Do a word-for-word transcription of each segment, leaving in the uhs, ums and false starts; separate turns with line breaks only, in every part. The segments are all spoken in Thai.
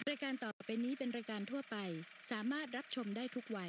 รายการต่อไปนี้เป็นรายการทั่วไปสามารถรับชมได้ทุกวัย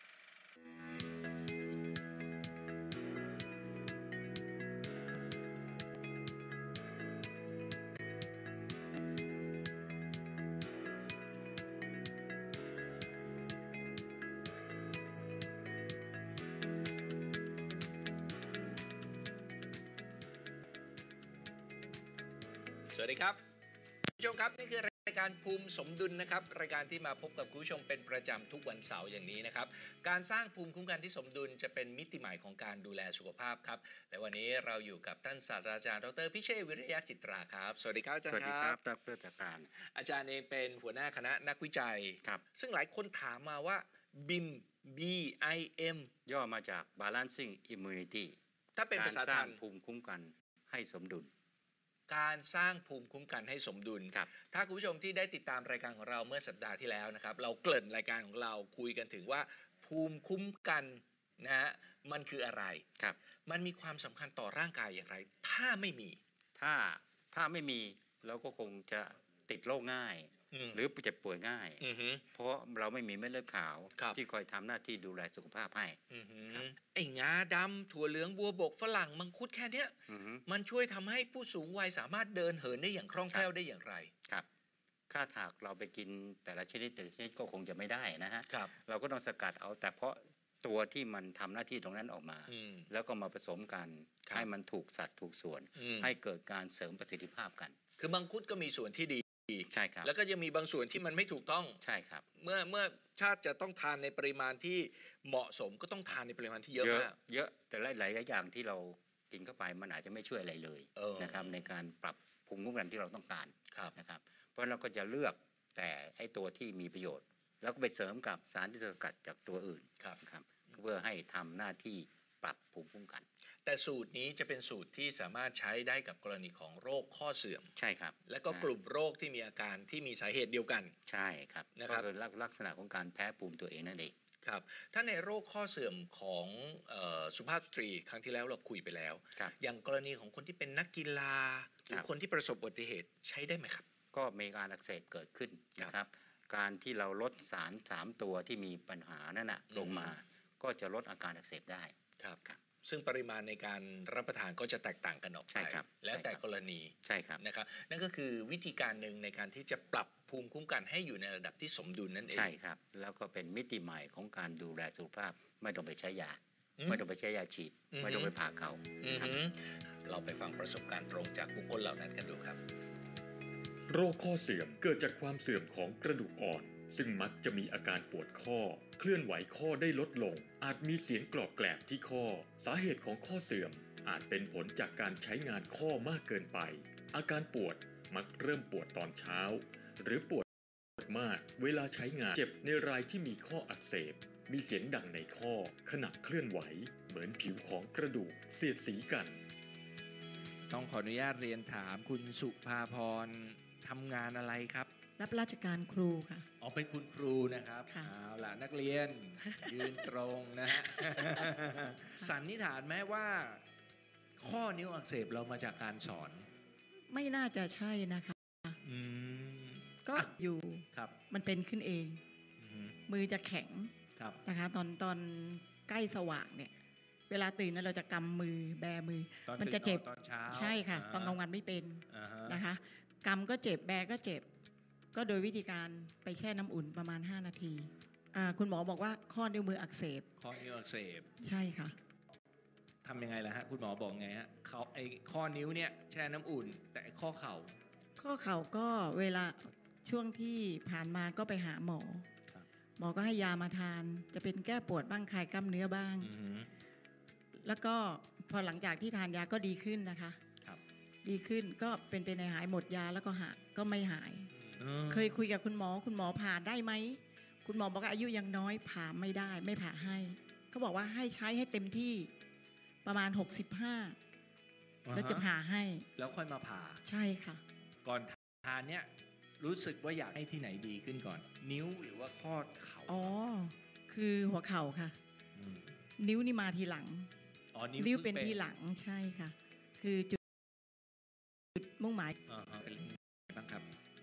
สวัสดีครับผู้ชมครับนี่คือรายการภูมิสมดุลนะครับรายการที่มาพบกับคุณผู้ชมเป็นประจำทุกวันเสาร์อย่างนี้นะครับการสร้างภูมิคุ้มกันที่สมดุลจะเป็นมิติใหม่ของการดูแลสุขภาพครับและวันนี้เราอยู่กับท่านศาสตราจารย์ดรพิเชษฐ์วิริยะจิตราครับสวัสดีครับอาจารย์ครับสวัสดีครับ
ดรจักราน
อาจารย์เองเป็นหัวหน้าคณะนักวิจัยครับซึ่งหลายคนถามมาว่า บี ไอ เอ็ม บี ไอ เอ็ม
ย่อมาจาก Balancing Immunity
ถ้าเป็นภาษาไทย
การสร้างภูมิคุ้มกันให้สมดุล
การสร้างภูมิคุ้มกันให้สมดุลถ้าคุณผู้ชมที่ได้ติดตามรายการของเราเมื่อสัปดาห์ที่แล้วนะครับเราเกริ่นรายการของเราคุยกันถึงว่าภูมิคุ้มกันนะฮะมันคืออะไร
ครับ
มันมีความสำคัญต่อร่างกายอย่างไรถ้าไม่มี
ถ้าถ้าไม่มีเราก็คงจะติดโรคง่ายหรือเจ็บป่วยง่ายเพราะเราไม่มีเม็ดเลือดขาวที่คอยทำหน้าที่ดูแลสุขภาพให้
ไอ้งาดำถั่วเหลืองบัวบกฝรั่งมังคุดแค่เนี้ยมันช่วยทำให้ผู้สูงวัยสามารถเดินเหินได้อย่างคล่องแคล่วได้อย่างไร
ครับถ้าหากเราไปกินแต่ละชนิดแต่ละชนิดก็คงจะไม่ได้นะฮะเราก็ต้องสกัดเอาแต่เพราะตัวที่มันทำหน้าที่ตรงนั้นออกมาแล้วก็มาผสมกันให้มันถูกสัดถูกส่วนให้เกิดการเสริมประสิทธิภาพกัน
คือมังคุดก็มีส่วนที่ดี
ใช่ครับ
แล้วก็ยังมีบางส่วนที่มันไม่ถูกต้อง
ใช่ครับ
เมื่อเมื่อชาติจะต้องทานในปริมาณที่เหมาะสมก็ต้องทานในปริมาณที่เยอะมาก
เยอะแต่หลายๆอย่างที่เรากินเข้าไปมันอาจจะไม่ช่วยอะไรเลยนะครับในการปรับภูมิคุ้มกันที่เราต้องการนะครับเพราะเราก็จะเลือกแต่ไอ้ตัวที่มีประโยชน์แล้วก็ไปเสริมกับสารที่สกัดจากตัวอื่นครับเพื่อให้ทำหน้าที่ปรับภูมิคุ้มกัน
แต่สูตรนี้จะเป็นสูตรที่สามารถใช้ได้กับกรณีของโรคข้อเสื่อม
ใช่ครับ
และก็กลุ่มโรคที่มีอาการที่มีสาเหตุเดียวกัน
ใช่ครับก็คือลักษณะของการแพ้ภูมิตัวเองนั่นเอง
ครับถ้าในโรคข้อเสื่อมของเอ่อสุภาพสตรีครั้งที่แล้วเราคุยไปแล้วอย่างกรณีของคนที่เป็นนักกีฬาหรือคนที่ประสบอุบัติเหตุใช้ได้ไหมครับ
ก็มีการอักเสบเกิดขึ้นนะครับการที่เราลดสารสามตัวที่มีปัญหานั่นนะลงมาก็จะลดอาการอักเสบได้
ครับซึ่งปริมาณในการรับประทานก็จะแตกต่างกันออกไปแล้วแต่กรณี
ใช่ครับ
นะครับนั่นก็คือวิธีการหนึ่งในการที่จะปรับภูมิคุ้มกันให้อยู่ในระดับที่สมดุลนั่นเอง
ใช่ครับแล้วก็เป็นมิติใหม่ของการดูแลสุขภาพไม่ต้องไปใช้ยาไม่ต้องไปใช้ยาฉีดไม่ต้องไปผ่าเขา
เราไปฟังประสบการณ์ตรงจากบุคคลเหล่านั้นกันดูครับ
โรคข้อเสื่อมเกิดจากความเสื่อมของกระดูกอ่อนซึ่งมักจะมีอาการปวดข้อเคลื่อนไหวข้อได้ลดลงอาจมีเสียงกรอบแกรบที่ข้อสาเหตุของข้อเสื่อมอาจเป็นผลจากการใช้งานข้อมากเกินไปอาการปวดมักเริ่มปวดตอนเช้าหรือปวดมากเวลาใช้งานเจ็บในรายที่มีข้ออักเสบมีเสียงดังในข้อขณะเคลื่อนไหวเหมือนผิวของกระดูกเสียดสีกัน
ต้องขออนุญาตเรียนถามคุณสุภาพรทำงานอะไรครับ
รับราชการครูค่ะ
อ๋อเป็นคุณครูนะครับเอาล่ะนักเรียนยืนตรงนะฮะ สันนิษฐานไหมว่าข้อนิ้วอักเสบเรามาจากการสอน
ไม่น่าจะใช่นะคะก็อยู่มันเป็นขึ้นเองมือจะแข็งนะคะตอนตอนใกล้สว่างเนี่ยเวลาตื่นนั้นเราจะกำมือแบมือมันจะเจ็บใช่ค่ะตอนกลางวันไม่เป็นนะคะกำก็เจ็บแบก็เจ็บก็โดยวิธีการไปแช่น้ำอุ่นประมาณห้านาทีคุณหมอบอกว่าข้อนิ้วมืออักเสบ
ข้อนิ้วอักเสบ
ใช่ค่ะ
ทำยังไงล่ะฮะคุณหมอบอกไงฮะเขาไอ้ข้อนิ้วเนี่ยแช่น้ำอุ่นแต่ข้อเข่า
ข้อเข่าก็เวลาช่วงที่ผ่านมาก็ไปหาหมอหมอก็ให้ยามาทานจะเป็นแก้ปวดบ้างคลายกล้ามเนื้อบ้างแล้วก็พอหลังจากที่ทานยาก็ดีขึ้นนะคะดีขึ้นก็เป็นเป็นหายหมดยาแล้วก็หาก็ไม่หายเคยคุยกับคุณหมอคุณหมอผ่าได้ไหมคุณหมอบอกว่าอายุยังน้อยผ่าไม่ได้ไม่ผ่าให้เขาบอกว่าให้ใช้ให้เต็มที่ประมาณหกสิบห้าแล้วจะผ่าให้
แล้วค่อยมาผ่า
ใช่ค่ะ
ก่อนทานเนี้ยรู้สึกว่าอยากให้ที่ไหนดีขึ้นก่อนนิ้วหรือว่าข้อเข่า
อ๋อคือหัวเข่าค่ะนิ้วนี่มาทีหลัง
อ๋อ
นิ้วเป็นทีหลังใช่ค่ะคือจุดมุ่งหมาย
เป็นบ้างครับ
ที่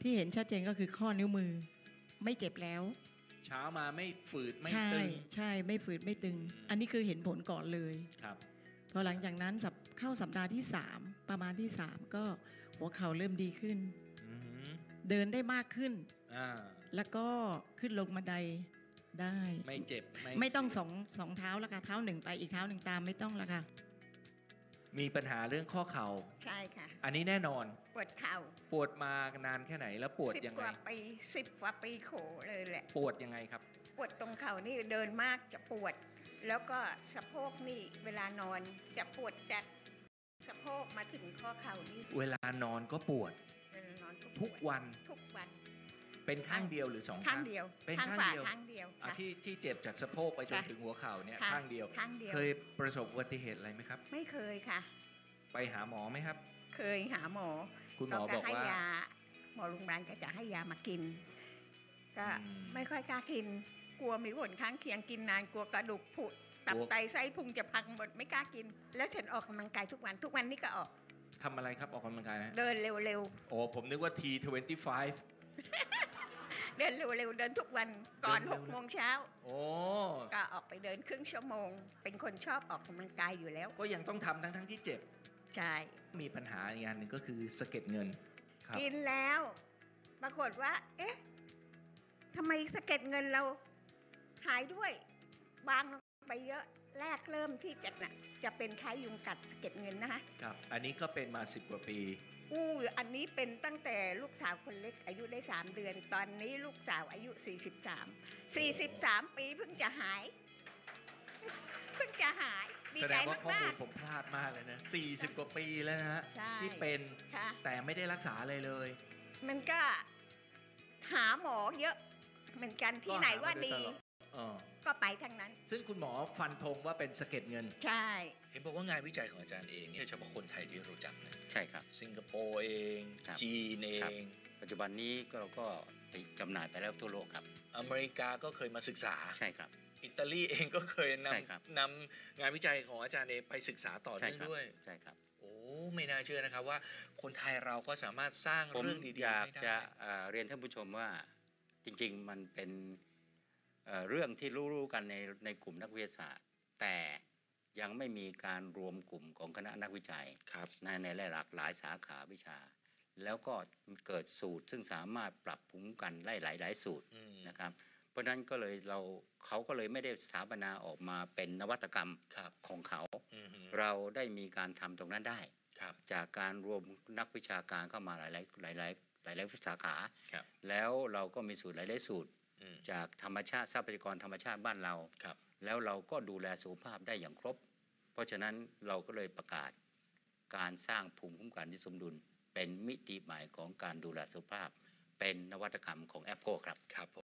ที่เห็นชัดเจนก็คือข้อนิ้วมือไม่เจ็บแล้ว
เช้ามาไม่ฝืดไม่
ใช่
ตึง
ใช่ไม่ฝืดไม่ตึง อันนี้คือเห็นผลก่อนเลย
ครับ
พอหลังจากนั้นสัปเข้าสัปดาห์ที่สามประมาณที่สามก็หัวเข่าเริ่มดีขึ้น
อือหือ
เดินได้มากขึ้น
อ่า
แล้วก็ขึ้นลงบันไดได้
ไม่เจ็บ
ไม่ต้องสองสองเท้าแล้วค่ะเท้าหนึ่งไปอีกเท้าหนึ่งตามไม่ต้องแล้วค่ะ
มีปัญหาเรื่องข้อเข่า
ใช่ค่ะ
อันนี้แน่นอน
ปวดเข่า
ปวดมานานแค่ไหนแล้วปวด
สิบ
ยัง
ก
ไง
ว่าปีสิบกว่าปีโขเลยแหละ
ปวดยังไงครับ
ปวดตรงเข่านี่เดินมากจะปวด แล้วก็สะโพกนี่เวลานอนจะปวดจากสะโพกมาถึงข้อเข่านี่
เวลานอนก็ปวด
เวลานอนก็ป
ทุก
วด
วัน
ทุกวัน
เป็นข้างเดียวหรือสอง
ข้างเดียว
เป็น
ข้าง
ข้าง
ฝ่า
เดียว
ข้างเดียว
อ่ะ
ค่ะ
ที่ที่เจ็บจากสะโพกไปจน
ค่ะ
ถึงหัวเข่าเนี่ย
ค่ะ
ข้างเดียว
ข้างเดียว
เคยประสบอุบัติเหตุอะไรไหมครับ
ไม่เคยค่ะ
ไปหาหมอไหมครับ
เคยหาหมอ
คุณหมอ
เข
บอก
ให้
ว่า
ยาหมอโรงพยาบาลก็จะให้ยามากิน ก็
อืม
ไม่ค่อยกล้ากิน กลัวมีผลข้างเคียงกินนานกลัวกระดูกผุตับ
กลัว
ไตไส้พุงจะพังหมดไม่กล้ากิน แล้วฉันออกกำลังกายทุกวันทุกวันนี่ก็ออก
ทำอะไรครับออกกำลังกายนะฮะ
เดินเร็ว
โอ้ผมนึกว่า ที ทเวนตี้ไฟว์
ๆ เดินเร็วๆ เดินทุกวันก่อน
เดินเร็ว
หกโมงเช้า
โอ้
ก็ออกไปเดินครึ่งชั่วโมง เป็นคนชอบออกกำลังกายอยู่แล้ว
ก็ยังต้องทำทั้งทั้งที่เจ็บ
ใช่
มีปัญหาอีกอย่างหนึ่งก็คือสะเก็ดเงินครับ
กินแล้ว ปรากฏว่า เอ๊ะทำไมสะเก็ดเงินเราหายด้วย บางลงไปเยอะ แรกเริ่มที่จะน่ะจะเป็นคล้ายยุงกัดสะเก็ดเงินนะคะ
ครับ อันนี้ก็เป็นมาสิบกว่าปี
อู้อันนี้เป็นตั้งแต่ลูกสาวคนเล็กอายุได้สามเดือน ตอนนี้ลูกสาวอายุสี่สิบสาม สี่สิบสามปีเพิ่งจะหาย เพิ่งจะหายดี
แส
ใจ
ดงว่าข้อ
มา
มู
ก
ลผมพลาดมากเลยนะสี่สิบกว่าปีแล้วนะฮะ
ใช่
ที่เป็น
ๆค่ะ
แต่ไม่ได้รักษาอะไรเลย
มันก็หาหมอเยอะ เหมือนกันที่ไหนว่าดี
ก็หมโยตลอเออ
ก็ไปทั้งนั้น
ซึ่งคุณหมอฟันธงว่าเป็นสะเก็ดเงิน
ใช่
เห็นบอกว่างานวิจัยของอาจารย์เองเนี่ยเฉพาะคนไทยที่รู้จักนะ
ใช่ครับ
สิงคโปร์เอง
ครับ
จีนเอ
ครับ
ง
ปัจจุบันนี้ก็เราก็ไปจำหน่ายไปแล้วทั่วโลกครับ
อเมริกาก็เคยมาศึกษา
ใช่ครับ
อิตาลีเองก็เคยน
ใช่ครับ
ำนำงานวิจัยของอาจารย์เองไปศึกษาต่อ
ใช่
เนื่อง
ครับ
ด้วย
ใช่ครับ
โอ้ไม่น่าเชื่อนะครับว่าคนไทยเราก็สามารถสร้าง
ผม
เรื่องดีๆ
อยาก
ให้ได้
จะเอ่อเรียนท่านผู้ชมว่าจริงๆมันเป็นเอ่อเรื่องที่รู้ๆกันในในกลุ่มนักวิทยาศาสตร์ แต่ยังไม่มีการรวมกลุ่มของคณะนักวิจัย
ครับ
ในในหลากหลายสาขาวิชา แล้วก็เกิดสูตรซึ่งสามารถปรับภูมิคุ้มกันได้หลายๆสูตร
อืม
นะครับ เพราะฉะนั้นก็เลยเราเขาก็เลยไม่ได้สถาปนาออกมาเป็นนวัตกรรม
ครับ
ของเขา
อืมฮึ
เราได้มีการทำตรงนั้นได้
ครับ
จากการรวมนักวิชาการเข้ามาหลายๆหลายๆหลายๆสาขา
ครับ
แล้วเราก็มีสูตรหลายๆสูตร
อืม
จากธรรมชาติทรัพยากรธรรมชาติบ้านเรา
ครับ
แล้วเราก็ดูแลสุขภาพได้อย่างครบ เพราะฉะนั้นเราก็เลยประกาศการสร้างภูมิคุ้มกันที่สมดุล เป็นมิติใหม่ของการดูแลสุขภาพ เป็นนวัตกรรมของแอปโพครับ
ครับ